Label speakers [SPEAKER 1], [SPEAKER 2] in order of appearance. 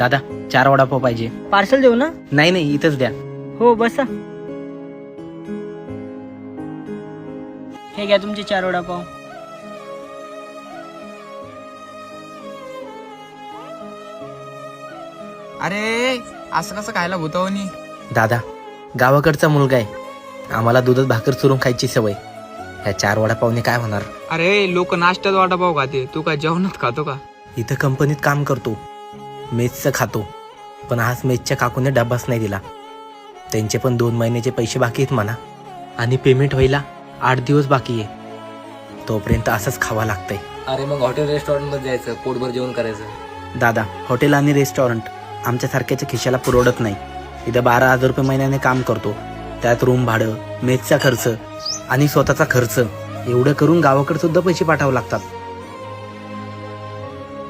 [SPEAKER 1] दादा 4 वडापाव पाहिजे.
[SPEAKER 2] पार्सल देऊ ना?
[SPEAKER 1] नाही नाही, इथंच द्या.
[SPEAKER 2] हो बसा. हे घ्या तुमचे 4 वडापाव.
[SPEAKER 3] अरे असं कसं खायला भूतावनी?
[SPEAKER 1] दादा गावाकडचा मुलगा आहे, आम्हाला दुधात भाकर चुरून खायची सवय. ह्या 4 वडापावने काय होणार?
[SPEAKER 3] अरे लोक नाश्त्यात वडापाव खाते, तू काय जेवणात खातो का?
[SPEAKER 1] इथं कंपनीत काम करतो, मेसचं खातो, पण आज मेसच्या काकूने डब्बाच नाही दिला. त्यांचे पण 2 महिन्याचे पैसे बाकी आहेत म्हणा, आणि पेमेंट व्हायला 8 दिवस बाकी आहे. तोपर्यंत असंच खावा लागतंय.
[SPEAKER 4] अरे मग हॉटेल रेस्टॉरंटमध्ये जायचं, पोटभर जेवण करायचं.
[SPEAKER 1] दादा हॉटेल आणि रेस्टॉरंट आमच्यासारख्याच्या खिशाला परवडत नाही. इथं 12,000 रुपये महिन्याने काम करतो, त्यात रूम भाडं, मेसचा खर्च आणि स्वतःचा खर्च, एवढं करून गावाकडे सुद्धा पैसे पाठवावे लागतात.